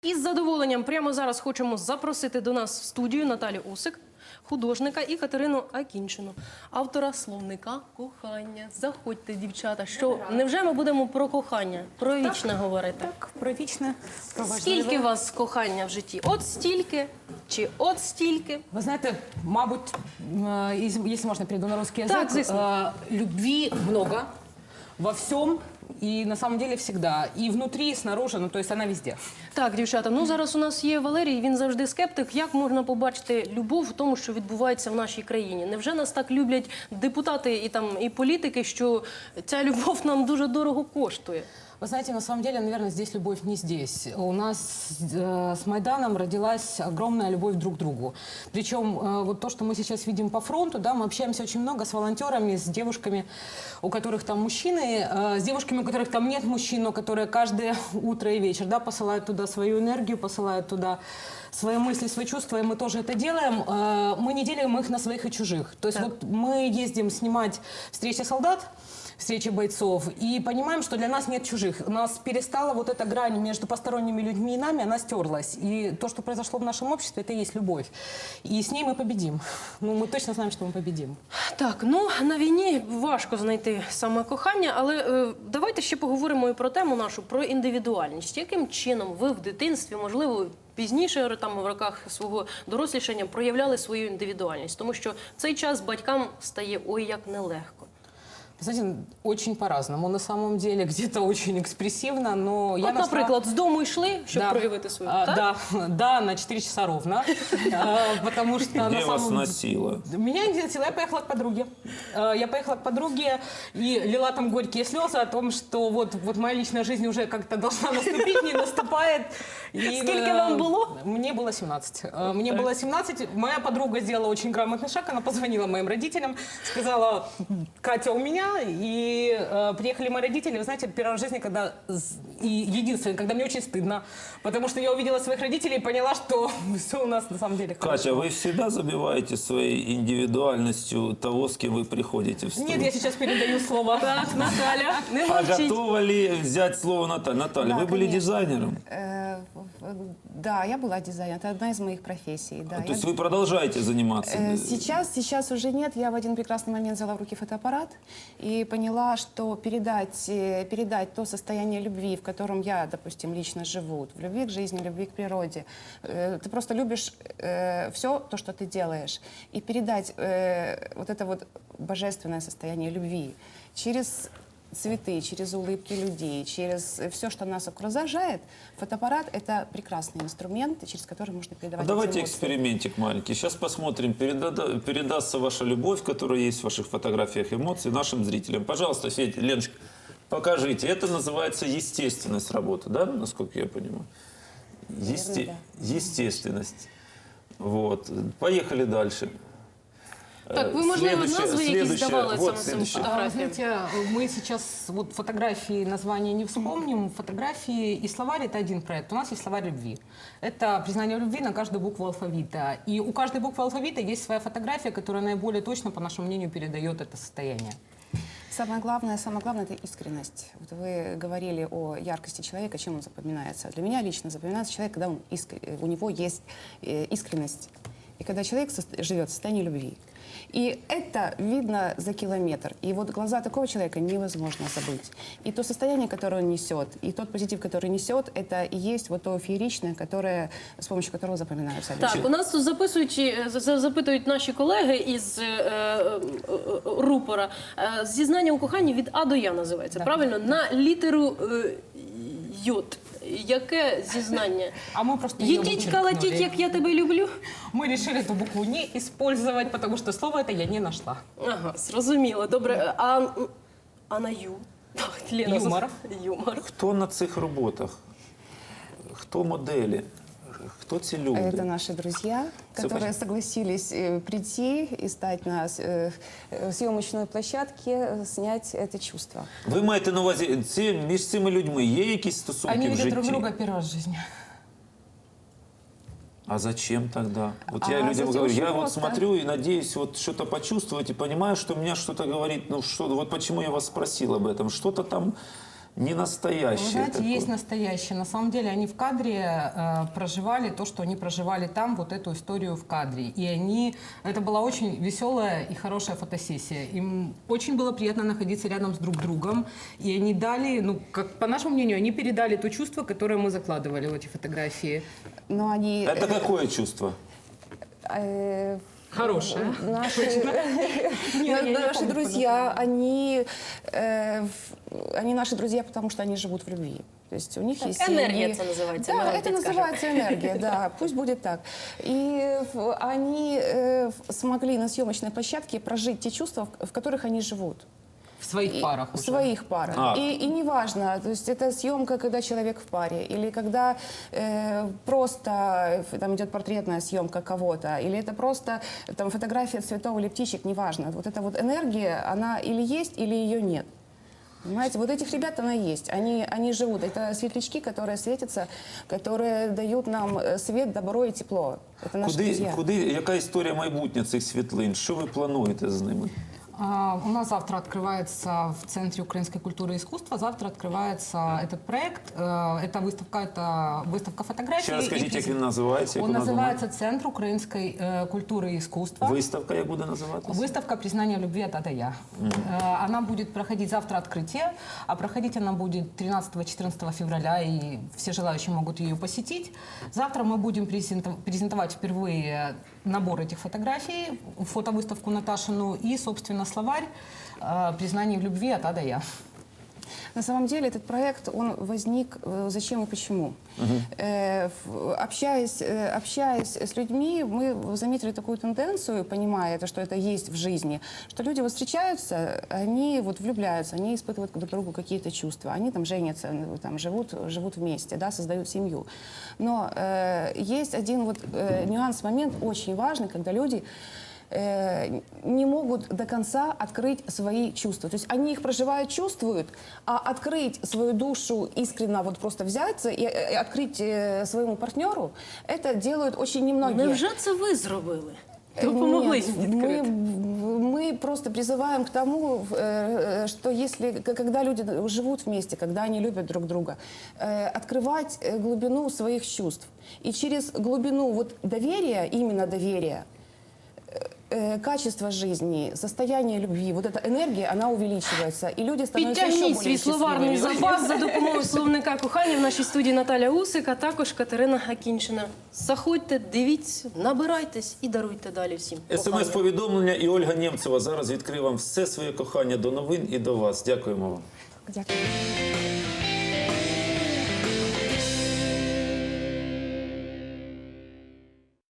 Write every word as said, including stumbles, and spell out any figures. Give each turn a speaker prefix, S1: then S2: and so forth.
S1: Із задоволенням прямо зараз хочемо запросити до нас в студію Наталю Усик, художника, і Катерину Акінчину, автора словника кохання. Заходьте, дівчата. Що, невже ми будемо про кохання, про вічне говорити?
S2: Так, про вічне, про важливе.
S1: Скільки у вас кохання в житті? От стільки чи от стільки?
S2: Ви знаєте, мабуть, е, із- якщо можна перейду на русский язык,
S1: Так, звісно.
S2: э, любви много во всем и на самом деле всегда. И внутри, и снаружи, ну то есть она везде.
S1: Так, дівчата, ну зараз у нас є Валерій, він завжди скептик. Як можна побачити любов в тому, що відбувається в нашій країні? Невже нас так люблять депутати і, там, і політики, що ця любов нам дуже дорого коштує?
S2: Вы знаете, на самом деле, наверное, здесь любовь не здесь. У нас э, с Майданом родилась огромная любовь друг к другу. Причем э, вот то, что мы сейчас видим по фронту, да, мы общаемся очень много с волонтерами, с девушками, у которых там мужчины, э, с девушками, у которых там нет мужчин, но которые каждое утро и вечер, да, посылают туда свою энергию, посылают туда свои мысли, свои чувства, и мы тоже это делаем. Э, мы не делим их на своих и чужих. То есть
S1: Так.
S2: вот мы ездим снимать встречи солдат, встречи бойцов, и понимаем, что для нас нет чужих. У нас перестала вот эта грань между посторонними людьми и нами, она стерлась. И то, что произошло в нашем обществе, это и есть любовь. И с ней мы победим. Ну, мы точно знаем, что мы победим.
S1: Так, ну на війні важко знайти саме кохання, але е, давайте ще поговоримо і про тему нашу, про індивідуальність. Яким чином ви в дитинстві, можливо, пізніше там в роках свого дорослішання проявляли свою індивідуальність? Тому що в цей час батькам стає ой як нелегко.
S2: Знаете, очень по-разному. На самом деле, где-то очень экспрессивно, но я
S1: От,
S2: нашла...
S1: наприклад, з дому йшли, щоб
S2: Да.
S1: проявити свою,
S2: А,
S1: так?
S2: да, да, на четыре часа ровно. А, Потому что на
S3: Где вас
S2: самом
S3: носило?
S2: Меня не носило, я поехала к подруге. Э, Я поехала к подруге и лила там горькие слезы о том, что вот, вот моя личная жизнь уже как-то должна наступить, не наступает. И,
S1: Сколько
S2: э,
S1: вам было?
S2: Мне было семнадцать. Э, Мне было семнадцать. Моя подруга сделала очень грамотный шаг. Она позвонила моим родителям, сказала: Катя у меня. И э, приехали мои родители. Вы знаете, первый раз в жизни, когда... с- И единственное, когда мне очень стыдно. Потому что я увидела своих родителей и поняла, что все у нас на самом деле хорошо.
S3: Катя, вы всегда забиваете своей индивидуальностью того, с кем вы приходите в студию?
S2: Нет, я сейчас передаю слово.
S1: Так, Наталя, не
S3: А
S1: мовчіть.
S3: готова ли взять слово Наталья? Наталья,
S4: Да,
S3: вы были
S4: конечно.
S3: дизайнером?
S4: Э, в- Да, я была дизайнером. Это одна из моих профессий. Да.
S3: То
S4: Я-
S3: есть вы продолжаете заниматься?
S4: Э, Сейчас, сейчас уже нет. Я в один прекрасный момент взяла в руки фотоаппарат и поняла, что передать, э, передать то состояние любви, в котором я, допустим, лично живу, в любви к жизни, любви к природе. Э, Ты просто любишь все то, что ты делаешь. И передать э, вот это вот божественное состояние любви через цветы, через улыбки людей, через все, что нас окружает, фотоаппарат — это прекрасный инструмент, через который можно
S3: А
S4: передавать
S3: давайте
S4: эти эмоции.
S3: экспериментик маленький. Сейчас посмотрим, переда- передастся ваша любовь, которая есть в ваших фотографиях, эмоций нашим зрителям. Пожалуйста, Федя, Леночка, покажите. Это называется естественность работы, да, насколько я понимаю? Есте-
S4: да.
S3: Естественность. Вот. Поехали дальше.
S1: Так, ви,
S3: Э,
S1: можливо,
S3: следующее-
S1: назви якісь
S3: следующее-
S1: давали
S3: вот
S1: саме цим
S3: следующее.
S2: А,
S1: фотографіям?
S2: Знаете, мы сейчас вот фотографии, названия не вспомним. Фотографии и словарь — это один проект. У нас есть словарь любви. Это признание любви на каждую букву алфавита. И у каждой буквы алфавита есть своя фотография, которая наиболее точно, по нашему мнению, передает это состояние.
S4: Самое главное, самое главное — это искренность. Вот вы говорили о яркости человека, чем он запоминается. Для меня лично запоминается человек, когда он искр- у него есть э, искренность. И когда человек сос- живет в состоянии любви. И это видно за километр. И вот глаза такого человека невозможно забыть. И то состояние, которое он несет, и тот позитив, который несет, это и есть вот то фееричное, которое, с помощью которого запоминаются люди.
S1: Так, у нас тут записують, е, за- за- запитують наші колеги із е, е, е, рупора. Е, Зізнання у коханні від А до Я називається,
S2: Да.
S1: правильно? На літеру е, Йод. Яке зізнання?
S2: А мы просто её
S1: Їдіть, калатіть,
S2: вычеркнули.
S1: як я тебе люблю.
S2: Мы решили эту букву не использовать, потому что слово это я не нашла.
S1: Ага, зрозуміло. Добре. А, а на Ю? Так, Лена,
S2: Юмор.
S1: Юмор.
S3: Хто на цих роботах? Хто моделі? Хто ці люди?
S4: Это наши друзья,
S3: Всё
S4: которые
S3: понятно.
S4: согласились э, прийти и стать на э, э, съемочной площадке, э, снять это чувство.
S3: Ви маєте на увазі, ці, між цими людьми є якісь стосунки
S2: Они
S3: в
S2: видят
S3: житті?
S2: друг друга первый раз в жизни.
S3: А зачем тогда? Вот
S4: А
S3: я людям
S4: затем
S3: говорю,
S4: очень
S3: я вот
S4: просто.
S3: смотрю и надеюсь вот что-то почувствовать и понимаю, что меня что-то говорит, ну что, вот почему я вас спросил об этом, что-то там не настоящее
S2: Вы знаете,
S3: такое.
S2: есть настоящие. На самом деле они в кадре э, проживали то, что они проживали там, вот эту историю в кадре. И они... Это была очень веселая и хорошая фотосессия. Им очень было приятно находиться рядом с друг другом. И они дали, ну, как по нашему мнению, они передали то чувство, которое мы закладывали в эти фотографии.
S4: Но они...
S3: Это какое чувство?
S4: э,
S2: Хорошее.
S4: Наши,
S2: Не, я не
S4: наши
S2: помню,
S4: друзья, они, э, в- они наши друзья, потому что они живут в любви. То есть у них
S1: Так,
S4: есть
S1: энергия
S4: семьи.
S1: это называется,
S4: Да,
S1: Мелодия
S4: это
S1: скажет.
S4: называется энергия, да, пусть будет так. И в- они э, в- смогли на съемочной площадке прожить те чувства, в в которых они живут.
S2: В своих
S4: И-
S2: парах
S4: В
S2: уже.
S4: своих парах.
S3: А.
S4: И, и неважно, то есть это съемка, когда человек в паре, или когда э, просто э, там идет портретная съемка кого-то, или это просто там фотография цветов или птичек, неважно. Вот эта вот энергия, она или есть, или ее нет. Понимаете, вот этих ребят она есть, они, они живут. Это светлячки, которые светятся, которые дают нам э, свет, добро и тепло. Это наши
S3: Куди,
S4: друзья.
S3: куди, яка історія майбутнє цих світлин? Що ви плануєте з ними?
S2: А, У нас завтра открывается в Центре украинской культуры и искусства. Завтра открывается этот проект. Э, Это выставка, это выставка фотографий.
S3: Ще раз
S2: и
S3: скажіть, як
S2: презен-
S3: він називається? як
S2: Он
S3: вона
S2: называется Центр украинской э, культуры и искусства.
S3: Виставка як буде називатися?
S2: Выставка «Признание любви от А до Я». Э, Она будет проходить завтра открытие, а проходить она будет тринадцатого-четырнадцатого февраля, и все желающие могут ее посетить. Завтра мы будем презентов- презентовать впервые набор этих фотографий, фотовыставку Наташину и, собственно, словарь э, «Признание в любви от А до Я».
S4: На самом деле этот проект, он возник э, зачем и почему. Э, в- общаясь, э, общаясь с людьми, мы заметили такую тенденцию, понимая это, что это есть в жизни, что люди вот встречаются, они вот влюбляются, они испытывают друг к другу какие-то чувства, они там женятся, ну, там живут, живут вместе, да, создают семью. Но э, есть один вот э, нюанс, момент очень важный, когда люди э, не могут до конца открыть свои чувства. То есть они их проживают, чувствуют, а открыть свою душу искренне, вот просто взяться и э, открыть э, своему партнеру, это делают очень немногие.
S1: Невже це ви зробили?
S4: Э,
S1: Допомогли
S4: нет,
S1: їм
S4: мы,
S1: відкрити?
S4: мы просто призываем к тому, э, э, что если, к- когда люди живут вместе, когда они любят друг друга, э, открывать э, глубину своих чувств. И через глубину вот доверия, именно доверия, э, качество жизни, состояние любви, вот эта энергия, она увеличивается, и люди становятся еще
S1: Підтягніть
S4: более
S1: свій словарний
S4: счастливыми.
S1: запас за допомогою словника кохання. В нашій студії Наталя Усик, а також Катерина Акінчина. Заходьте, дивіться, набирайтесь і даруйте далі всім. кохання.
S3: СМС-повідомлення і Ольга Нємцева зараз відкриє вам все своє кохання до новин і до вас. Дякуємо вам.
S4: Дякую.